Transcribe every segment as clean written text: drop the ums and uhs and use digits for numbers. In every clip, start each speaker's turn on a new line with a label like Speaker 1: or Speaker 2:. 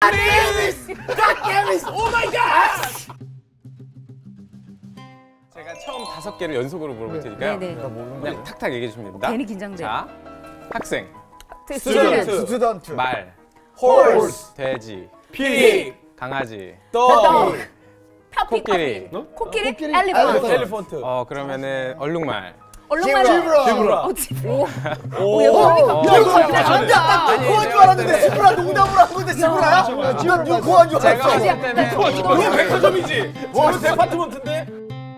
Speaker 1: 오 마이 갓!
Speaker 2: 제가 처음 5개를 연속으로 물어볼 테니까요.
Speaker 3: 네네.
Speaker 2: 그냥 탁탁 얘기해 주시면 됩니다.
Speaker 3: 괜히 긴장돼.
Speaker 2: 자, 학생,
Speaker 3: 스튜던트.
Speaker 2: 말,
Speaker 1: horse,
Speaker 2: 돼지,
Speaker 1: pig,
Speaker 2: 강아지,
Speaker 1: dog,
Speaker 2: 코끼리.
Speaker 3: 코끼리?
Speaker 1: elephant,
Speaker 3: 엘리펀트.
Speaker 1: elephant,
Speaker 2: 그러면은 얼룩말.
Speaker 3: 얼룩말.
Speaker 1: zebra.
Speaker 3: 오,
Speaker 4: 고한 줄 알았는데 지브라 농담으로 한 건데 지브라야? 난 고한 줄
Speaker 2: 제가
Speaker 4: 알았어.
Speaker 2: 봤을 때는
Speaker 1: 이거 백화점이지. 이거 데파트먼트인데.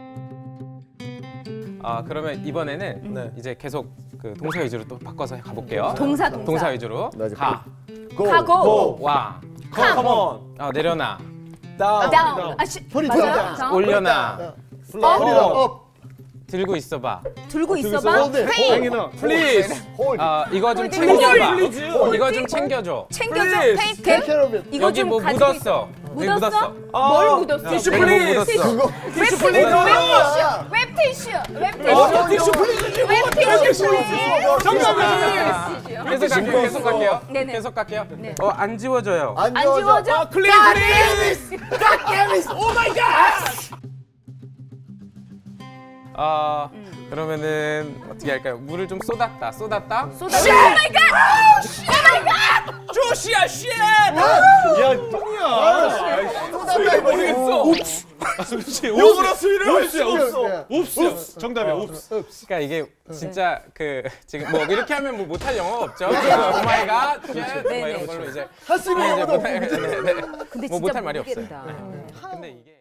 Speaker 2: 그러면 이번에는
Speaker 1: 네.
Speaker 2: 이제 계속 그 동사 위주로 또 바꿔서 가볼게요.
Speaker 3: 동사.
Speaker 2: 위주로.
Speaker 4: 나 이제
Speaker 2: 가,
Speaker 3: 가고.
Speaker 2: 와,
Speaker 1: Come on,
Speaker 2: 내려놔,
Speaker 1: down,
Speaker 3: 다운.
Speaker 4: 소리
Speaker 3: 맞아요?
Speaker 4: 들어.
Speaker 2: 올려놔,
Speaker 4: 소리가 업.
Speaker 2: 들고 있어봐.
Speaker 3: 들고 있어봐.
Speaker 2: Please.
Speaker 4: hold.
Speaker 2: 이거 좀
Speaker 3: 홀드.
Speaker 2: 챙겨봐.
Speaker 1: 홀드.
Speaker 2: 이거 좀 챙겨줘.
Speaker 3: 챙겨줘.
Speaker 1: Please.
Speaker 4: Take
Speaker 3: 테이크.
Speaker 4: care of it.
Speaker 3: 이거
Speaker 2: 여기
Speaker 3: 좀
Speaker 2: 뭐
Speaker 3: 가지고
Speaker 2: 묻었어. 여기
Speaker 3: 묻었어?
Speaker 2: 묻었어.
Speaker 3: 뭘 묻었어?
Speaker 1: 티슈
Speaker 2: 여기 뭐
Speaker 1: 플리즈.
Speaker 2: 묻었어.
Speaker 1: 티슈 플리즈.
Speaker 3: 웹티슈.
Speaker 1: 티슈 플리즈.
Speaker 3: 웹티슈.
Speaker 1: 정답이야.
Speaker 2: 계속 갈게요.
Speaker 3: 네네.
Speaker 2: 계속 갈게요.
Speaker 3: 네.
Speaker 2: 안 지워져요.
Speaker 4: 안
Speaker 3: 안
Speaker 4: 지워져.
Speaker 3: 지워져?
Speaker 1: 클리즈. 오 마이 갓!
Speaker 2: 그러면은 어떻게 할까요? 물을 좀 쏟았다.
Speaker 3: 쏟아. 오 마이 갓!
Speaker 1: 조시야 쉣!
Speaker 4: 야,
Speaker 1: 수위를 모르겠어. 영어로 수위를 알 수 없어.
Speaker 4: 옵스.
Speaker 1: 정답이야. 옵스.
Speaker 2: 그러니까 이게 진짜 지금 뭐 이렇게 하면 뭐 못할 영어가 없죠. 오마이갓, 뭐 이런 걸로 이제
Speaker 4: 할수 있는
Speaker 2: 이제
Speaker 4: 영어도
Speaker 2: 못할
Speaker 3: 근데
Speaker 2: 뭐
Speaker 3: 진짜
Speaker 2: 못할 말이 없어요.
Speaker 3: 모르겠다.
Speaker 2: 근데 이게